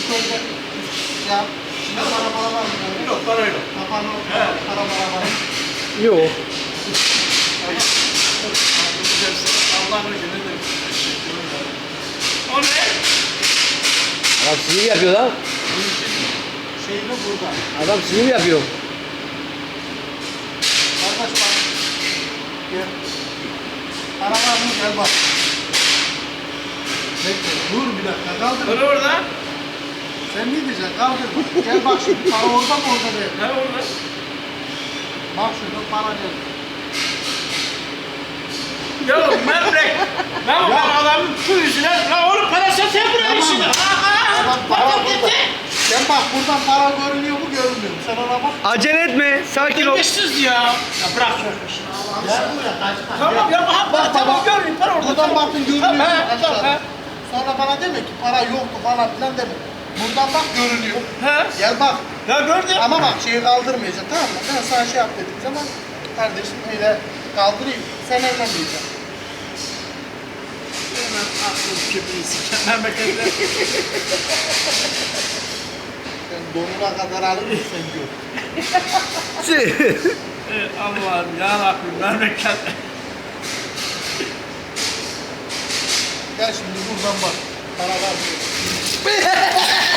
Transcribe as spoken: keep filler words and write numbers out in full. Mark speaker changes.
Speaker 1: köyde ya şimdi para para var mı?
Speaker 2: Yok, para yok.
Speaker 1: Kapanı
Speaker 2: He.
Speaker 1: para para var.
Speaker 3: Yok.
Speaker 2: Allah'ın izniyle. O ne?
Speaker 3: Adam sinir yapıyor lan.
Speaker 1: Şeyini burada.
Speaker 3: Adam sinir yapıyor.
Speaker 1: Kardeş bak. Gel. Para var mı? Gel bak. Bekle. Dur bir dakika. Kaldır.
Speaker 2: Para orada.
Speaker 1: Sen ne diyeceksin? Kaldır. Gel bak şimdi. Para orada mı orada değil.
Speaker 2: Ne orada?
Speaker 1: Bak şurada para gel.
Speaker 2: Ya memlek. Lan
Speaker 1: Ya.
Speaker 2: o adamın su yüzüne. Lan oğlum parası sen buraya
Speaker 1: Tamam
Speaker 2: işini.
Speaker 1: mı?
Speaker 2: Aa,
Speaker 1: Tamam,
Speaker 2: aa.
Speaker 1: para
Speaker 2: Bak
Speaker 1: burada.
Speaker 2: gitti.
Speaker 1: Gel bak buradan para görünüyor mu görünmüyor mu? Sen ona bak.
Speaker 3: Acele etme. Sakin ol.
Speaker 2: Terbiyesiz ya. Ya bırak şöyle.
Speaker 1: Gel buraya kaç kaç.
Speaker 2: Tamam ya bak
Speaker 1: Bak,
Speaker 2: tamam
Speaker 1: bak.
Speaker 2: görmeyeyim para orada.
Speaker 1: Buradan
Speaker 2: tamam.
Speaker 1: baktın görünüyor.
Speaker 2: Tamam,
Speaker 1: mu?
Speaker 2: he, tamam,
Speaker 1: Aşağıda.
Speaker 2: he.
Speaker 1: Sonra bana deme ki para yoktu falan filan deme. Buradan bak görünüyor.
Speaker 2: He.
Speaker 1: Gel bak.
Speaker 2: Ya gördün.
Speaker 1: Ama bak şeyi kaldırmayacaksın tamam mı? Ben sana şey yap dediğim zaman kardeşim öyle kaldırayım. Sen evlenmeyeceksin.
Speaker 2: Hemen aklım köpeği memlekette.
Speaker 1: Sen donuna kadar alır mısın sen gör.
Speaker 2: Ey Allah'ım yarabbim memleket.
Speaker 1: Gel şimdi buradan bak. Para var mı?